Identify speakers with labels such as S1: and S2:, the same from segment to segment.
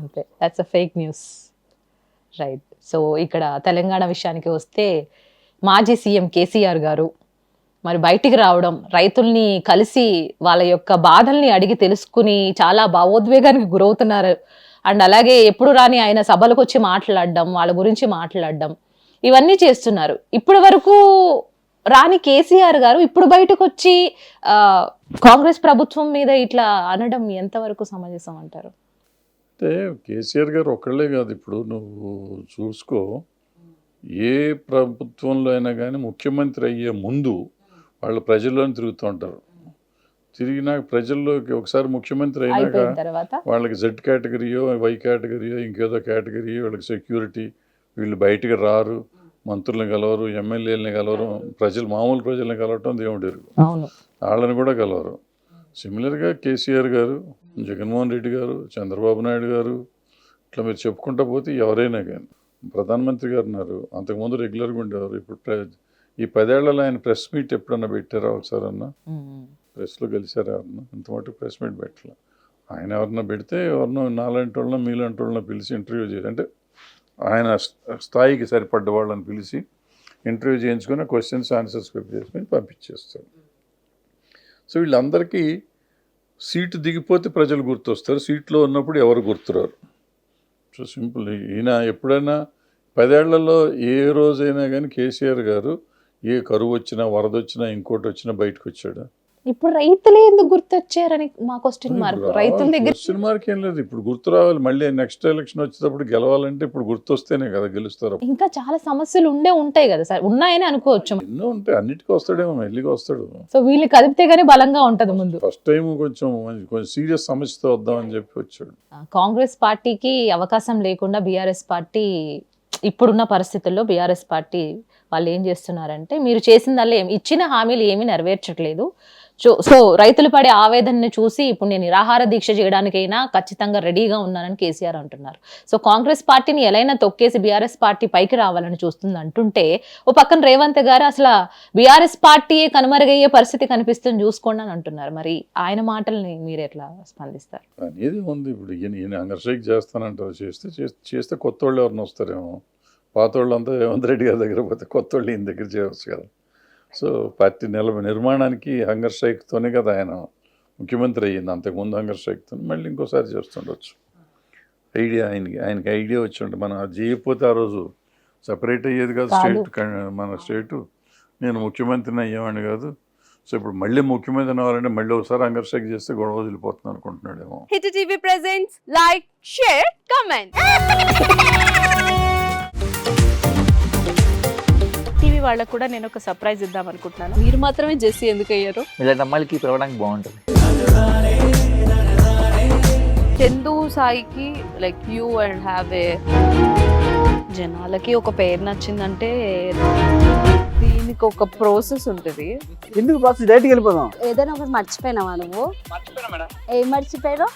S1: అంతే, that's a fake news. Right. So ఇక్కడ తెలంగాణ విషయానికి వస్తే మాజీ సీఎం కేసీఆర్ గారు మరి బయటికి రావడం, రైతుల్ని కలిసి వాళ్ళ యొక్క బాధల్ని అడిగి తెలుసుకుని చాలా భావోద్వేగానికి గురవుతున్నారు. అండ్ అలాగే ఎప్పుడు రాని ఆయన సభలకు వచ్చి మాట్లాడడం, వాళ్ళ గురించి మాట్లాడడం, ఇవన్నీ చేస్తున్నారు. ఇప్పటి వరకు రాని కేసీఆర్ గారు ఇప్పుడు బయటకు వచ్చి కాంగ్రెస్ ప్రభుత్వం మీద ఇట్లా అనడం ఎంతవరకు సమంజసం అంటారు?
S2: అంటే కేసీఆర్ గారు ఒక్కళ్ళే కాదు, ఇప్పుడు నువ్వు చూసుకో, ఏ ప్రభుత్వంలో అయినా కానీ ముఖ్యమంత్రి అయ్యే ముందు వాళ్ళు ప్రజల్లోనే తిరుగుతూ ఉంటారు. తిరిగినాక ప్రజల్లోకి ఒకసారి ముఖ్యమంత్రి అయినాక వాళ్ళకి జెడ్ కేటగిరీయో వై కేటగిరీయో ఇంకేదో కేటగిరీయో వాళ్ళకి సెక్యూరిటీ, వీళ్ళు బయటికి రారు, మంత్రులను కలవరు, ఎమ్మెల్యేలని కలవరు, మామూలు ప్రజల్ని కలవటం దేవుడు ఎరుగు, వాళ్ళని కూడా కలవరు. సిమిలర్గా కేసీఆర్ గారు, జగన్మోహన్ రెడ్డి గారు, చంద్రబాబు నాయుడు గారు, ఇట్లా మీరు చెప్పుకుంటా పోతే ఎవరైనా కానీ, ప్రధానమంత్రి గారు ఉన్నారు, అంతకుముందు రెగ్యులర్గా ఉండేవారు. ఇప్పుడు ఈ 10 ఏళ్లలో ఆయన ప్రెస్ మీట్ ఎప్పుడన్నా పెట్టారా ఒకసారి అన్నా? ప్రెస్లో గెలిచారా ఎవరన్నా? ఇంతమటు ప్రెస్ మీట్ పెట్టాల. ఆయన ఎవరన్నా పెడితే ఎవరినో నాలాంటి వాళ్ళని మీలాంటి వాళ్ళని పిలిచి ఇంటర్వ్యూ చేయాలి. అంటే ఆయన స్థాయికి సరిపడ్డ వాళ్ళని పిలిచి ఇంటర్వ్యూ చేయించుకొని క్వశ్చన్స్ ఆన్సర్స్ ప్రిపేర్ చేసుకొని పంపించేస్తాడు. సో వీళ్ళందరికీ సీటు దిగిపోతే ప్రజలు గుర్తొస్తారు, సీట్లో ఉన్నప్పుడు ఎవరు గుర్తురారు. So simple. ఈయన ఎప్పుడైనా 10 ఏళ్లలో ఏ రోజైనా కానీ కేసీఆర్ గారు ఏ కరువు వచ్చినా, వరద వచ్చినా, ఇంకోటి వచ్చినా బయటకు వచ్చాడు?
S1: ఇప్పుడు రైతులే ఎందుకు గుర్తొచ్చారని మా క్వశ్చన్ మార్క్. రైతుల దగ్గర
S2: క్వశ్చన్ మార్క్ ఏం లేదు, ఇప్పుడు గుర్తు రావాలి. మళ్ళీ నెక్స్ట్ ఎలక్షన్ వచ్చేటప్పుడు గెలవాలంటే ఇప్పుడు గుర్తొస్తేనే కదా గెలుస్తారు.
S1: ఇంకా చాలా సమస్యలు ఉంటాయి కదా సార్, ఉన్నాయని అనుకోవచ్చు.
S2: ఎన్నో ఉంటాయి, అన్నిటికీ వస్తాడేమో, మెల్లిగా వస్తాడు.
S1: సో వీళ్ళు కదిపితే గానీ బలంగా ఉంటది. ముందు
S2: ఫస్ట్ టైం కొంచెం సీరియస్ సమస్యతో వద్దామని చెప్పి వచ్చాడు.
S1: కాంగ్రెస్ పార్టీకి అవకాశం లేకుండా బీఆర్ఎస్ పార్టీ, ఇప్పుడున్న పరిస్థితుల్లో బీఆర్ఎస్ పార్టీ వాళ్ళు ఏం చేస్తున్నారంటే, మీరు చేసిందల్లా ఇచ్చిన హామీలు ఏమీ నెరవేర్చట్లేదు. సో రైతులు పడే ఆవేదనని చూసి ఇప్పుడు నేను నిరాహార దీక్ష చేయడానికైనా ఖచ్చితంగా రెడీగా ఉన్నానని కేసీఆర్ అంటున్నారు. సో కాంగ్రెస్ పార్టీని ఎలైనా తొక్కేసి బీఆర్ఎస్ పార్టీ పైకి రావాలని చూస్తుంది అంటుంటే, ఓ పక్కన రేవంత్ గారు అసలు బీఆర్ఎస్ పార్టీయే కనుమరుగయ్యే పరిస్థితి కనిపిస్తుంది చూసుకోండి అని అంటున్నారు. మరి ఆయన మాటల్ని మీరు ఎట్లా స్పందిస్తారు?
S2: అనేది ఉంది. ఇప్పుడు ఈయన అంగర్షేక్ చేస్తానంటారు, చేస్తే కొత్త వాళ్ళు ఎవరిని వస్తారేమో. పాత వాళ్ళంతా రేవంత్ రెడ్డి గారి దగ్గర పోతే కొత్త వాళ్ళు ఈయన దగ్గర చేయవచ్చు కదా. సో పార్టీ నిర్మాణానికి హంగర్ స్ట్రైక్తోనే కదా ఆయన ముఖ్యమంత్రి అయ్యింది. అంతకుముందు హంగర్ స్ట్రైక్తో మళ్ళీ ఇంకోసారి చేస్తుండొచ్చు. ఐడియా ఆయనకి ఐడియా వచ్చి ఉంటే, మనం అది చేయకపోతే ఆ రోజు సపరేట్ అయ్యేది కాదు స్టేట్, మన స్టేటు. నేను ముఖ్యమంత్రిని అయ్యేవాడిని కాదు. సో ఇప్పుడు మళ్ళీ ముఖ్యమంత్రి అవ్వాలంటే మళ్ళీ ఒకసారి హంగర్ స్ట్రైక్ చేస్తే గొడవ వదిలిపోతుంది అనుకుంటున్నాడేమో.
S3: Hit TV presents like, share, comment. TV వాళ్ళకు కూడా నేను ఒక సర్ప్రైజ్ ఇద్దాం అనుకుంటున్నాను. మీరు మాత్రమే జెస్సీ ఎందుకు అయ్యారు?
S4: ఇలాంటి అమ్మాయిలకి పిలవడానికి బాగుంటుంది.
S3: చందు సాయికి like you and have a, జనాలకి ఒక పేరు నచ్చిందంటే దీనికి ఒక ప్రాసెస్ ఉంటుంది.
S5: ఎందుకు ప్రాసెస్? డైరెక్ట్గా వెళ్ళిపోదాం.
S6: ఏదైనా ఒకటి మర్చిపోయినావా నువ్వు? ఏం మర్చిపోయావు?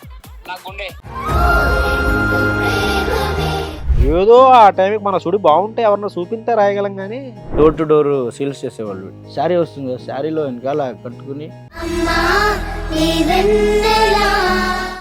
S5: ఏదో ఆ టైంకి మన సుడి బాగుంటే ఎవరన్నా చూపింటే రాయగలం. కానీ డోర్ టు డోర్ సేల్స్ చేసేవాళ్ళు. శారీ వస్తుంది, శారీలో వెనకాల కట్టుకుని